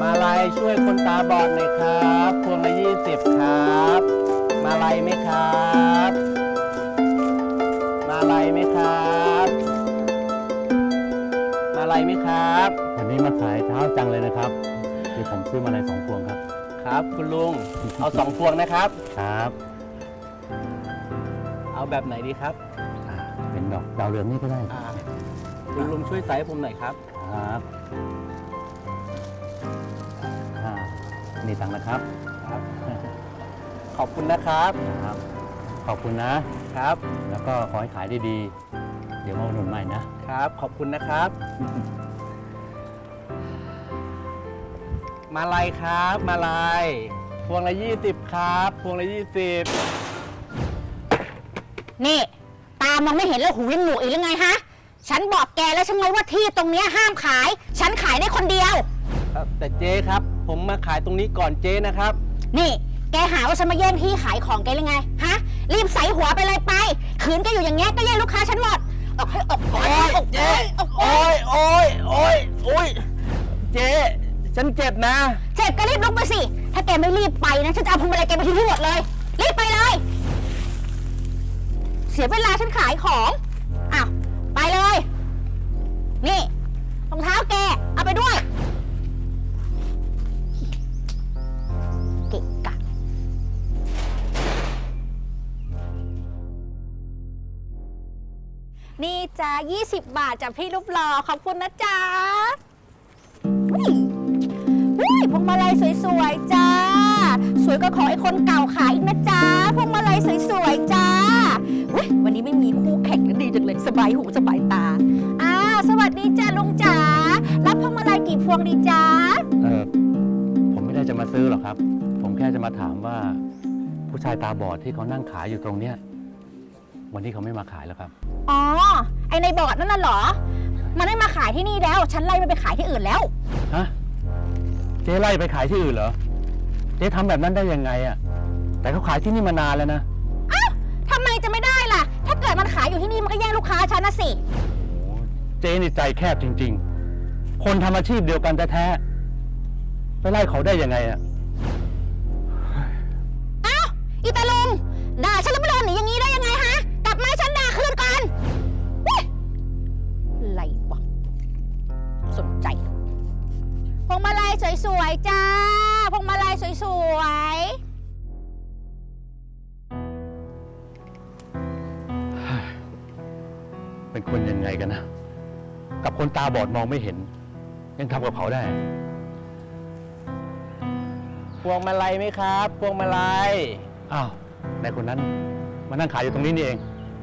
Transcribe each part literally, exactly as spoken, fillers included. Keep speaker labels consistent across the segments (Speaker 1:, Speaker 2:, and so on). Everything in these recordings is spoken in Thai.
Speaker 1: มาลัยช่วยคนตาบอดหน่อยครับพวงละยี่สิบครับมาลัยไหมครับมาลัยไหมครับมาลัยไหมครับ
Speaker 2: วันนี้มาขายเช้าจังเลยนะครับเดี๋ยวผมซื้อมาลัยสองพวงครับ
Speaker 1: ครับคุณลุงเอาสองพวงนะครับ
Speaker 2: ครับ
Speaker 1: เอาแบบไหนดีครับ
Speaker 2: เป็นดอกดาวเรืองนี่ก็ได้
Speaker 1: คุณลุงช่วยใส่ให้ผมหน่อยครับ
Speaker 2: ครับนี่ตังค์นะครับ
Speaker 1: ครับขอบคุณนะครับ
Speaker 2: ครับขอบคุณนะครับแล้วก็ขอให้ขายได้ดีเดี๋ยวมาอุดหนุนใหม่นะครับ
Speaker 1: ขอบคุณนะครับมาลัยครับมาลัยพวงละยี่สิบครับพวงละยี่สิบ
Speaker 3: นี่ตามองไม่เห็นแล้วหูยังหนวกอีกหรือไงฮะฉันบอกแกแล้วใช่ไหมว่าที่ตรงนี้ห้ามขายฉันขายได้คนเดียว
Speaker 1: แต่เจ๊ครับผมมาขายตรงนี้ก่อนเจ๊นะครับ
Speaker 3: นี่แกหาว่าฉันมาแย่งที่ขายของแกหรือไงฮะรีบใส่หัวไปเลยไปขืนแกอยู่อย่างเงี้ยก็แย่งลูกค้าฉันหมดออกให้ออก
Speaker 1: โอ้ยเจ๊โอ้ยโอ้ยโอ้ยโอ้ยเจ๊ฉันเจ็บนะ
Speaker 3: เจ็บก็รีบลุกไปสิถ้าแกไม่รีบไปนะฉันจะเอาพวงมาลัยแกไปทิ้งที่หมดเลยรีบไปเลยเสียเวลาฉันขายของอ้าวไปเลยนี่รองเท้าแกเอาไปด้วยเกะกะนี่จ้ายี่สิบบาทจากพี่รูปหล่อขอบคุณนะจ๊ะอุ้ยอุ้ยพวงมาลัยสวยๆจ้าสวยก็ขอไอ้คนเก่าขายอีกนะจ๊ะพวงมาลัยสวยๆจ้าอุ้ยวันนี้ไม่มีคู่แข่งนะดีจังเลยสบายหูสบายตาอ่าสวัสดีจ้าลุงจ๋ารับพวงมาลัยกี่พวงดีจ้า
Speaker 2: เออผมไม่ได้จะมาซื้อหรอกครับผมแค่จะมาถามว่าผู้ชายตาบอดที่เขานั่งขายอยู่ตรงเนี้ยวันนี้เขาไม่มาขายแล้วครับ
Speaker 3: อ๋อไอในบอดนั่นน่ะเหรอมันไม่มาขายที่นี่แล้วฉันไล่มันไปขายที่อื่นแล้ว
Speaker 2: ฮะเจ๊ไล่ไปขายที่อื่นเหรอเจ๊ทำแบบนั้นได้ยังไงอะแต่เขาขายที่นี่มานานแล้วนะ
Speaker 3: อ้าวทำไมจะไม่ได้ล่ะถ้าเกิดมันขายอยู่ที่นี่มันก็แย่งลูกค้าฉันนะสิ
Speaker 2: โอ้เจ๊นี่ใจแคบจริงๆคนทำอาชีพเดียวกันแท้ๆไปไล่เขาได้ยังไงอะ
Speaker 3: อ้าวอีตาลุงด่าฉันแล้วไม่เดินหนีอย่างนี้ได้ยังไงฮะกลับมาฉันด่าคืนก่อนอะไรวะสนใจพวงมาลัยสวยๆจ้าพวงมาลัยสวย
Speaker 2: ๆเป็นคนยังไงกันนะกับคนตาบอดมองไม่เห็นยังทำกับเขาได้
Speaker 1: พวงมาลัยไหมครับพวงมาลัย
Speaker 2: อ้าวในคนนั้นมานั่งขายอยู่ตรงนี้นี่เอง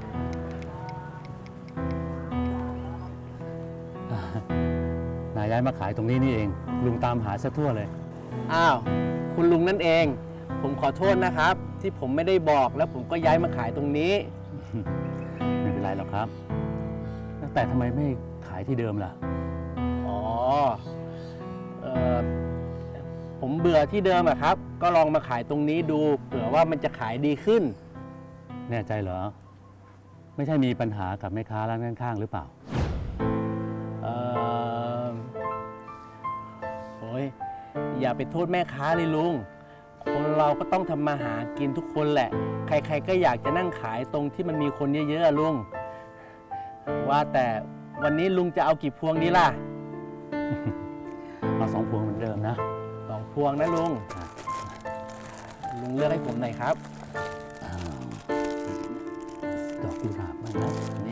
Speaker 2: นายย้ายมาขายตรงนี้นี่เองลุงตามหาซะทั่วเลย
Speaker 1: อ้าวคุณลุงนั่นเองผมขอโทษนะครับที่ผมไม่ได้บอกแล้วผมก็ย้ายมาขายตรงนี้
Speaker 2: ไม่เป็นไรหรอกครับแต่ทำไมไม่ขายที่เดิมล่ะ
Speaker 1: อ๋อเอ่อผมเบื่อที่เดิมอะครับก็ลองมาขายตรงนี้ดูเผื่อว่ามันจะขายดีขึ้น
Speaker 2: แน่ใจเหรอไม่ใช่มีปัญหากับแม่ค้าร้านข้างๆหรือเปล่า
Speaker 1: เออโอ้ยอย่าไปโทษแม่ค้าเลยลุงคนเราก็ต้องทำมาหากินทุกคนแหละใครๆก็อยากจะนั่งขายตรงที่มันมีคนเยอะๆลุงว่าแต่วันนี้ลุงจะเอากี่พวงดีล่ะ
Speaker 2: เอาสองพวงเหมือนเดิมนะ
Speaker 1: สองพวงนะลุงลุงเลือกให้ผมหน่อยครับ
Speaker 2: ดอกกุหลาบมันนะนี่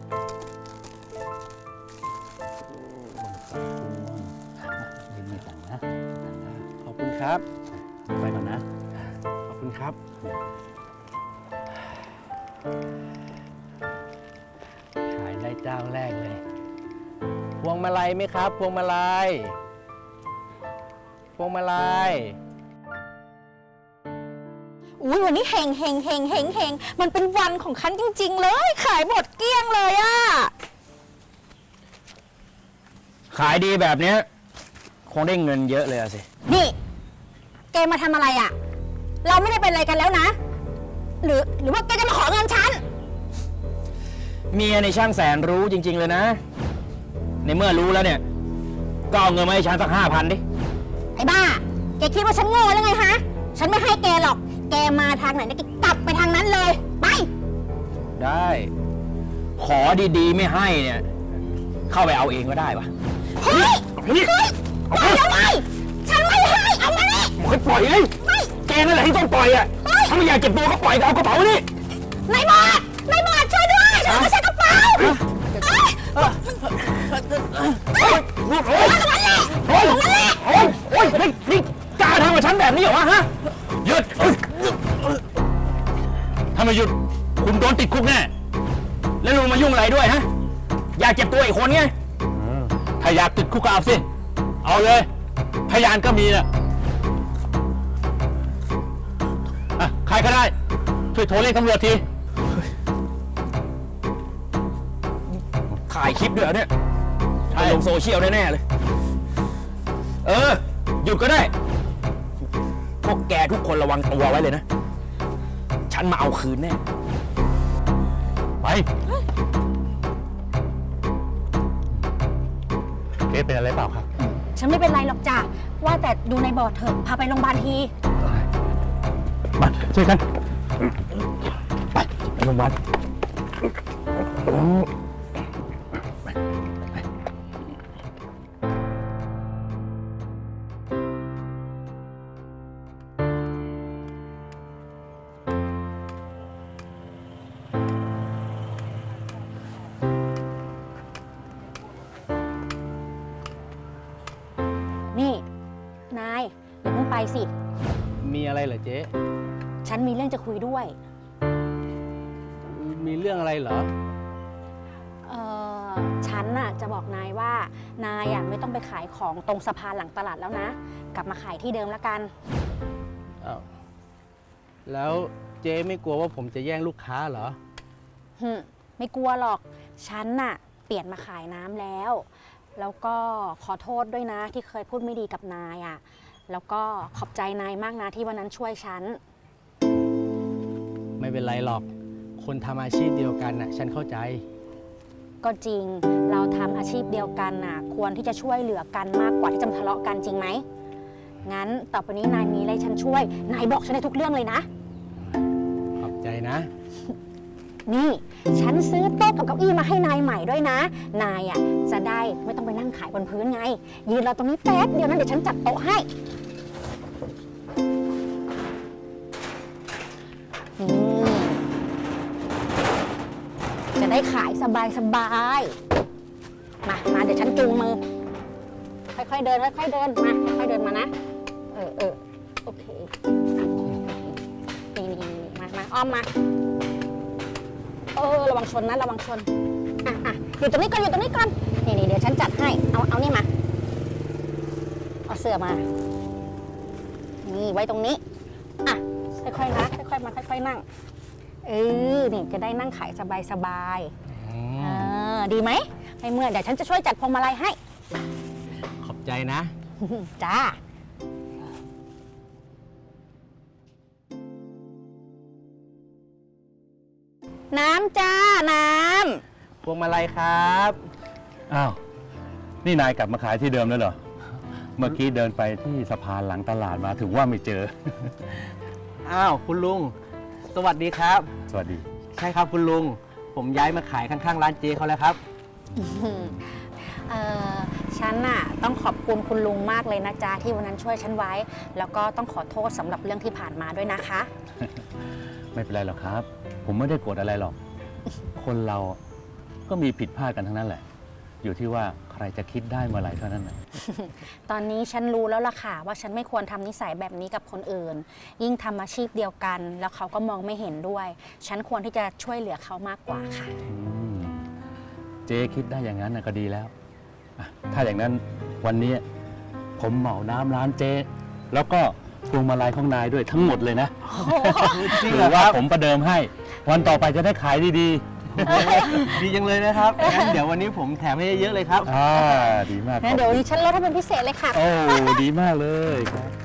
Speaker 2: ยืมไม่ตังนะ
Speaker 1: ขอบคุณครับ
Speaker 2: ไปก่อนนะ
Speaker 1: ขอบคุณครับขายได้เจ้าแรกเลยพวงมาลัยไหมครับพวงมาลัยพวงมาลัย
Speaker 3: อุ้ยวันนี้เฮงเฮงเฮงเฮงเฮงมันเป็นวันของฉันจริงๆเลยขายหมดเกลี้ยงเลยอะ
Speaker 4: ขายดีแบบนี้คงได้เงินเยอะเลยอะสิ
Speaker 3: นี่แกมาทำอะไรอะเราไม่ได้เป็นอะไรกันแล้วนะหรือหรือว่าแกจะมาขอเงินฉัน
Speaker 4: เมียในช่างแสนรู้จริงๆเลยนะในเมื่อรู้แล้วเนี่ยก็เอาเงินมาให้ฉันสักห้าพันดิ
Speaker 3: ไอ้บ้า แกคิดว่าฉันโง่แล้วไงฮะ ฉันไม่ให้แกหรอก แกมาทางไหนเนี่ยแกกลับไปทางนั้นเลย ไป
Speaker 4: ได้ ขอดีๆ ไม่ให้เนี่ย เข้าไปเอาเองก็ได้ปะ
Speaker 3: เฮ้ย เฮ้ยปล่อยเอาไว้ฉันไม่ให้ เอามานี่
Speaker 4: มันปล่อยไงแกนั่นแหละที่ต้องปล่อยอ่ะถ้าไม่อยากเก็บตัวก็ปล่อยเอากระเป๋านี่
Speaker 3: นายบอดนายบอดช่วยด้วยฉันไม่ใช่กระเป๋าเอ้ย
Speaker 4: โอ้ยโอ้ยโอ้ยโอ้ยโอ้ยโอ้ยนี่นี่กล้าทำกับฉันแบบนี้เหรอวะฮะหยุดถ้าไม่หยุดคุณโดนติดคุกแน่แล้วลุงมายุ่งอะไรด้วยฮะอยากเจ็บตัวอีกคนไง
Speaker 2: ถ้าอยากติดคุกก็เอาสิ เอาเลย พยานก็มีนะอ่ะใครก็ได้ ช่วยโทรเรียกตำรวจที
Speaker 4: ถ่ายคลิปด้วยเหรอเนี่ยไปลงโซเชียลแน่ๆเลย เออ หยุดก็ได้ พวกแกทุกคนระวังตัวไว้เลยนะ ฉันมาเอาคืนแน่
Speaker 2: ไปเอ๊ะเป็นอะไรเปล่าครับ
Speaker 3: ฉันไม่เป็นไรหรอกจ้ะ ว่าแต่ดูในบอร์ดเถอะ พาไปโรงพยาบาลที
Speaker 2: มาช่วยกัน ไปไปโรงพยาบาล
Speaker 3: นี่ นายอย่าเพิ่งไปสิ
Speaker 1: มีอะไรเหรอเจ๊
Speaker 3: ฉันมีเรื่องจะคุยด้วย
Speaker 1: มีเรื่องอะไรเหรอ
Speaker 3: เออฉันน่ะจะบอกนายว่า นายอ่ะไม่ต้องไปขายของตรงสะพานหลังตลาดแล้วนะ กลับมาขายที่เดิมแล้วกัน
Speaker 1: อ้าว แล้วเจ๊ไม่กลัวว่าผมจะแย่งลูกค้าเหรอ
Speaker 3: หึไม่กลัวหรอก ฉันน่ะเปลี่ยนมาขายน้ำแล้ว แล้วก็ขอโทษด้วยนะที่เคยพูดไม่ดีกับนายอ่ะ แล้วก็ขอบใจนายมากนะที่วันนั้นช่วยฉัน
Speaker 1: ไม่เป็นไรหรอก คนทำอาชีพเดียวกันน่ะ ฉันเข้าใจ
Speaker 3: ก็จริง เราทำอาชีพเดียวกันน่ะ ควรที่จะช่วยเหลือกันมากกว่าที่จะมาทะเลาะกันจริงไหม งั้นต่อไปนี้นายมีอะไรฉันช่วย นายบอกฉันได้ทุกเรื่องเลยนะ
Speaker 1: ขอบใจนะ
Speaker 3: นี่ ฉันซื้อโต๊ะกับเก้าอี้มาให้นายใหม่ด้วยนะ นายอ่ะจะได้ไม่ต้องไปนั่งขายบนพื้นไง ยืนรอตรงนี้แป๊บเดียวนั้นเดี๋ยวฉันจัดโต๊ะให้นี่จะได้ขายสบายสบายๆมา มาเดี๋ยวฉันจูงมือ ค่อยๆเดินค่อยๆเดิน มา ค่อยๆเดินมานะ เออเออโอเค นี่นี่มามาอ้อมมา เออระวังชนนะระวังชน อ่ะอ่ะอยู่ตรงนี้ก่อนอยู่ตรงนี้ก่อน นี่นี่เดี๋ยวฉันจัดให้ เอาเอานี่มา เอาเสื้อมา นี่ไว้ตรงนี้ อ่ะค่อยๆนะค่อยๆมาค่อยๆนั่ง เออนี่จะได้นั่งขายสบายๆเออดีไหมไม่เมื่อยเดี๋ยวฉันจะช่วยจัดพวงมาลัยให้
Speaker 1: ขอบใจนะ
Speaker 3: จ้า น้ำจ้า น้
Speaker 1: พวงมาลัยครับ
Speaker 2: อ้าว นี่นายกลับมาขายที่เดิมแล้วเหรอ เมื่อกี้เดินไปที่สะพานหลังตลาดมาถึงว่าไม่เจอ
Speaker 1: อ้าว คุณลุง สวัสดีครับ
Speaker 2: สวัสดี
Speaker 1: ใช่ครับคุณลุง ผมย้ายมาขายข้างๆร้านเจ๊เขาแล้วครับ
Speaker 3: ำเออฉันน่ะต้องขอบคุณคุณลุงมากเลยนะจ๊ะที่วันนั้นช่วยฉันไว้ แล้วก็ต้องขอโทษสำหรับเรื่องที่ผ่านมาด้วยนะคะ
Speaker 2: ไม่เป็นไรหรอกครับ ผมไม่ได้โกรธอะไรหรอก คนเราก็มีผิดพลาดกันทั้งนั้นแหละ อยู่ที่ว่าใครจะคิดได้เมื่อไหร่เท่านั้นนะ
Speaker 3: ตอนนี้ฉันรู้แล้วล่ะค่ะว่าฉันไม่ควรทำนิสัยแบบนี้กับคนอื่น ยิ่งทำอาชีพเดียวกัน แล้วเขาก็มองไม่เห็นด้วย ฉันควรที่จะช่วยเหลือเขามากกว่าค่ะ
Speaker 2: อืมเจ๊คิดได้อย่างนั้นนะก็ดีแล้วอ่ะถ้าอย่างนั้นวันนี้ผมเหมาน้ำร้านเจ๊แล้วก็พวงมาลัยของนายด้วยทั้งหมดเลยนะ
Speaker 1: จริง
Speaker 2: ห
Speaker 1: เหร
Speaker 2: รือ อ
Speaker 1: ค
Speaker 2: ว่า
Speaker 1: รับ
Speaker 2: ผมประเดิมให้ วันต่อไปจะได้ขายดี
Speaker 1: ดีจังเลยนะครับ งั้นเดี๋ยววันนี้ผมแถมให้เยอะๆเลยครับ
Speaker 2: ๆ อ่า ดีมาก
Speaker 3: งั้นเดี๋ยววันนี้ฉันลดให้เป็นพิเศษเลยค่ะ
Speaker 2: โอ้ ดีมากเลยครับ